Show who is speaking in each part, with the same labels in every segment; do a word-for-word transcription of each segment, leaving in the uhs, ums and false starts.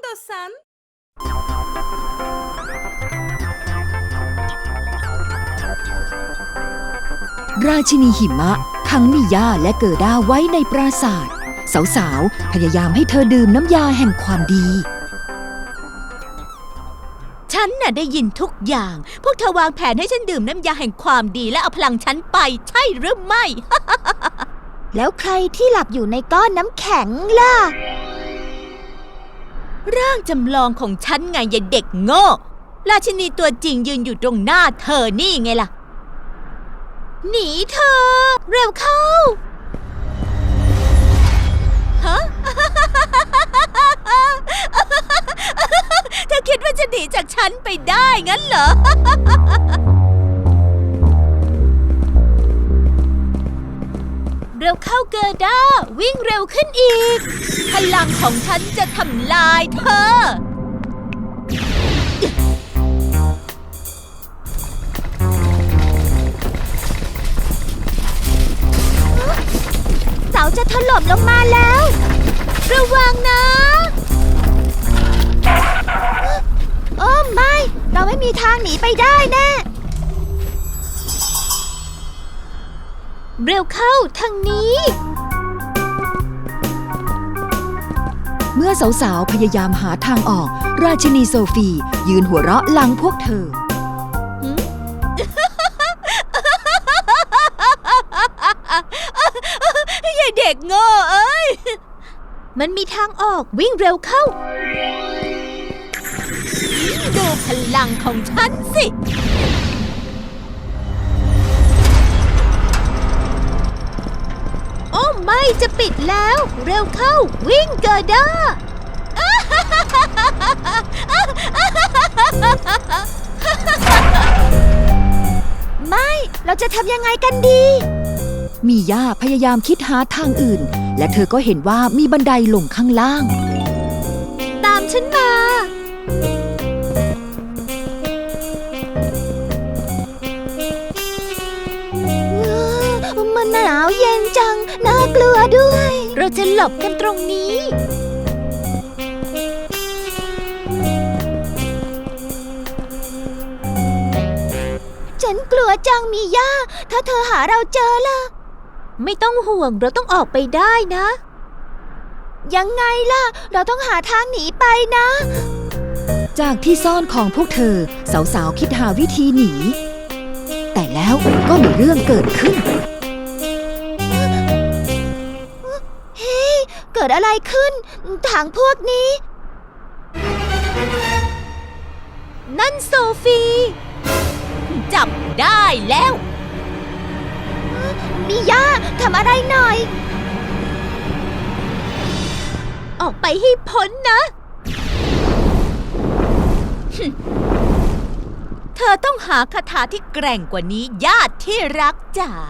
Speaker 1: istiyorsan.
Speaker 2: ราชินีหิมะขังมิยาและเกิด้าไว้ในปราสาทสาวๆพยายามให้เธอดื่มน้ำยาแห่งความดี
Speaker 3: ฉันน่ะได้ยินทุกอย่างพวกเธอวางแผนให้ฉันดื่มน้ำยาแห่งความดีและเอาพลังฉันไปใช่หรือไม่
Speaker 4: แล้วใครที่หลับอยู่ในก้อนน้ำแข็งล่ะ
Speaker 3: ร่างจำลองของฉันไงอย่าเด็กโง่ราชินีตัวจริงยืนอยู่ตรงหน้าเธอนี่ไงล่ะหนีเธอเร็วเข้าฮะ เธอคิดว่าจะหนีจากฉันไปได้งั้นเหรอ เร็วเข้าเกอร์ด้าวิ่งเร็วขึ้นอีกพลังของฉันจะทำลายเธอ
Speaker 4: เสาจะถล่มลงมาแล้ว
Speaker 3: ระวังนะ
Speaker 4: โอ้ไม่เราไม่มีทางหนีไปได้แน่
Speaker 3: เร็วเข้าทางนี้
Speaker 2: เมื่อสาวๆพยายามหาทางออกราชินีโซฟียืนหัวเราะหลังพวกเธอ
Speaker 3: อย่าเด็กโง่เอ้ยมันมีทางออกวิ่งเร็วเข้าดูพลังของฉันสิโอ้ไม่จะปิดแล้วเร็วเข้าวิ่งเกอร์ด้า
Speaker 4: ไม่เราจะทำยังไงกันดี
Speaker 2: มีย่าพยายามคิดหาทางอื่นและเธอก็เห็นว่ามีบันไดลงข้างล่าง
Speaker 3: ตามฉันมา
Speaker 4: มันหนาวเย็นจังน่ากลัวด้วย
Speaker 3: เราจะหลบกันตรงนี้
Speaker 4: ฉันกลัวจังมีย่าถ้าเธอหาเราเจอล่ะ
Speaker 3: ไม่ต้องห่วงเราต้องออกไปได้นะ
Speaker 4: ยังไงล่ะเราต้องหาทางหนีไปนะ
Speaker 2: จากที่ซ่อนของพวกเธอสาวๆคิดหาวิธีหนีแต่แล้วก็มีเรื่องเกิดขึ้น
Speaker 4: เฮ้ยเกิดอะไรขึ้นถังพวกนี้
Speaker 3: นั่นโซฟีจับได้แล้ว
Speaker 4: มิยาทำอะไรหน่อย
Speaker 3: ออกไปให้พ้นนะเธอต้องหาคาถาที่แกร่งกว่านี้ญาติที่รักจ๋า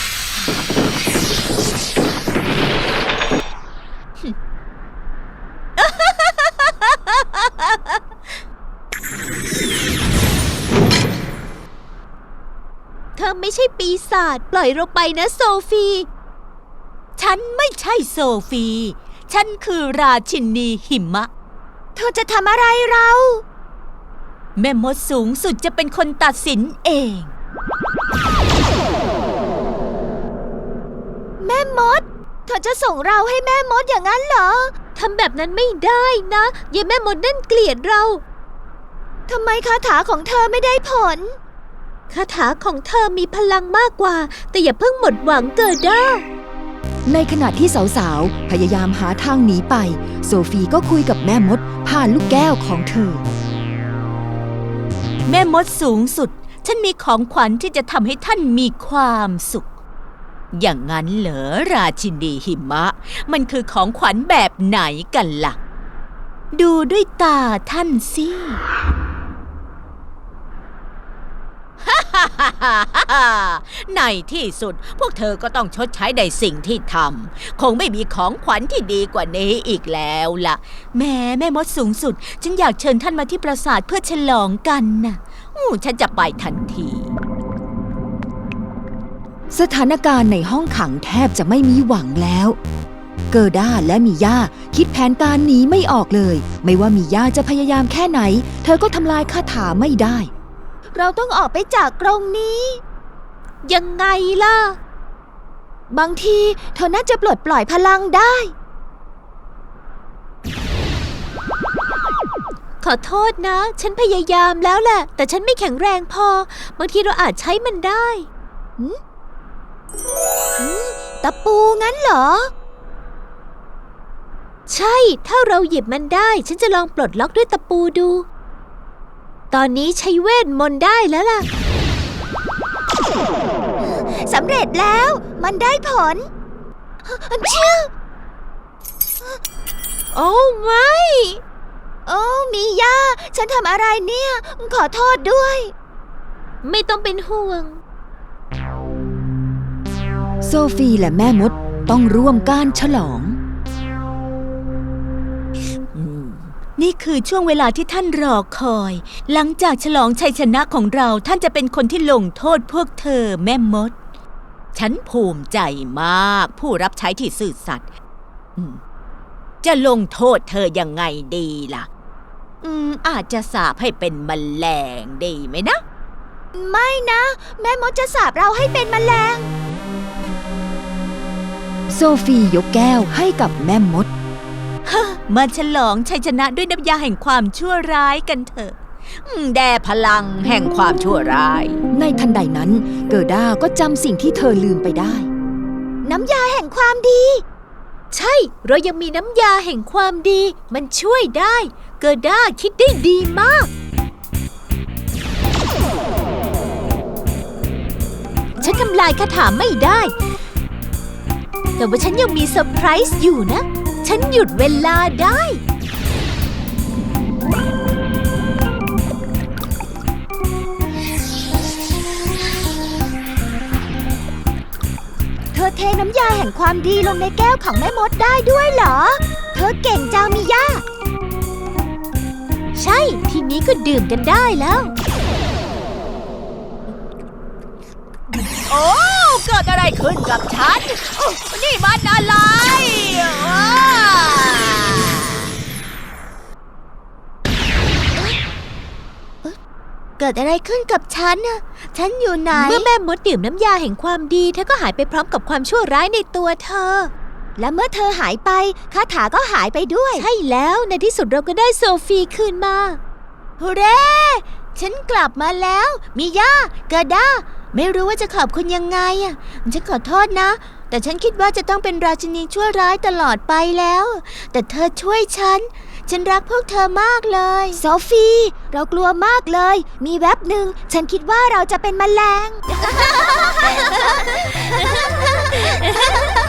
Speaker 3: เธอไม่ใช่ปีศาจปล่อยเราไปนะโซฟีฉันไม่ใช่โซฟีฉันคือราชินีหิมะ
Speaker 4: เธอจะทำอะไรเรา
Speaker 3: แม่มดสูงสุดจะเป็นคนตัดสินเอง
Speaker 4: แม่มดเธอจะส่งเราให้แม่มดอย่างนั้นเหรอ
Speaker 3: ทำแบบนั้นไม่ได้นะยายแม่มดนั่นเกลียดเรา
Speaker 4: ทำไมคาถาของเธอไม่ได้ผล
Speaker 3: คาถาของเธอมีพลังมากกว่าแต่อย่าเพิ่งหมดหวังเกิดด้า
Speaker 2: ในขณะที่สาวๆพยายามหาทางหนีไปโซฟีก็คุยกับแม่มดผ่านลูกแก้วของเธอ
Speaker 3: แม่มดสูงสุดฉันมีของขวัญที่จะทำให้ท่านมีความสุขอย่างนั้นเหรอราชินีหิมะมันคือของขวัญแบบไหนกันล่ะดูด้วยตาท่านสิในที่สุดพวกเธอก็ต้องชดใช้ในสิ่งที่ทำคงไม่มีของขวัญที่ดีกว่านี้อีกแล้วล่ะแม่แม่มดสูงสุดฉันอยากเชิญท่านมาที่ปราสาทเพื่อฉลองกันน่ะอู้ฉันจะไปทันที
Speaker 2: สถานการณ์ในห้องขังแทบจะไม่มีหวังแล้วเกิด้าและมีย่าคิดแผนการหนีไม่ออกเลย ไม่ว่ามีย่าจะพยายามแค่ไหน เธอก็ทำลายคาถาไม่ได้
Speaker 4: เราต้องออกไปจากกรงนี้
Speaker 1: ยังไงล่ะ
Speaker 4: บางทีเธอน่าจะปลดปล่อยพลังได้
Speaker 1: ขอโทษนะ ฉันพยายามแล้วแหละ แต่ฉันไม่แข็งแรงพอ บางทีเราอาจใช้มันได้
Speaker 4: ตะปูงั้นเหรอ
Speaker 1: ใช่ ถ้าเราหยิบมันได้ ฉันจะลองปลดล็อกด้วยตะปูดู ตอนนี้ใช้เวทมนต์ได้แล้วล่ะ
Speaker 4: สำเร็จแล้ว มันได้ผลเชื่อ
Speaker 1: โอ้ไม่
Speaker 4: โอ้มีย่า ฉันทำอะไรเนี่ย ขอโทษด้วย
Speaker 1: ไม่ต้องเป็นห่วง
Speaker 2: โซฟีและแม่มดต้องร่วมการฉลอง
Speaker 3: นี่คือช่วงเวลาที่ท่านรอคอย หลังจากฉลองชัยชนะของเราท่านจะเป็นคนที่ลงโทษพวกเธอแม่มด ฉันภูมิใจมากผู้รับใช้ที่ซื่อสัตย์อืมจะลงโทษเธอยังไงดีล่ะ อืม อาจจะสาปให้เป็นแมลงดีไหมนะ
Speaker 4: ไม่นะ แม่มดจะสาปเราให้เป็นแมลง
Speaker 2: โซฟียกแก้วให้กับแม่มด
Speaker 3: มาฉลองชัยชนะด้วยน้ำยาแห่งความชั่วร้ายกันเถอะอืมแด่พลังแห่งความชั่วร้าย
Speaker 2: ในทันใดนั้นเกิด้าก็จำสิ่งที่เธอลืมไปได้
Speaker 4: น้ำยาแห่งความดี
Speaker 1: ใช่ เรายังมีน้ำยาแห่งความดี มันช่วยได้ เกิด้าคิดได้ดีมาก ฉันทำลายคาถาไม่ได้ แต่ว่าฉันยังมีเซอร์ไพรส์อยู่นะ ฉันหยุดเวลาได้
Speaker 4: เธอเทน้ำยาแห่งความดีลงในแก้วของแม่มดได้ด้วยเหรอ เธอเก่งจังมีย่า
Speaker 1: ใช่ ทีนี้ก็ดื่มกันได้แล้ว
Speaker 3: โอ้เกิดอะไรขึ้นกับฉันโอ้นี่มันอะไรอ้า
Speaker 4: เกิดอะไรขึ้นกับฉันน่ะ ฉันอยู่ไหน
Speaker 1: เมื่อแม่มดดื่มน้ำยาแห่งความดีเธอก็หายไปพร้อมกับความชั่วร้ายในตัวเธอ
Speaker 4: และเมื่อเธอหายไปคาถาก็หายไปด้วย
Speaker 1: ใช่แล้วในที่สุดเราก็ได้โซฟีคืนมา
Speaker 4: ฮูเร่ ฉันกลับมาแล้ว มีย่าเกิด้า ไม่รู้ว่าจะขอบคุณยังไงอ่ะ ฉันขอโทษนะ แต่ฉันคิดว่าจะต้องเป็นราชินีชั่วร้ายตลอดไปแล้ว แต่เธอช่วยฉัน ฉันรักพวกเธอมากเลยโซฟี เรากลัวมากเลย มีแวบหนึ่งฉันคิดว่าเราจะเป็นแมลง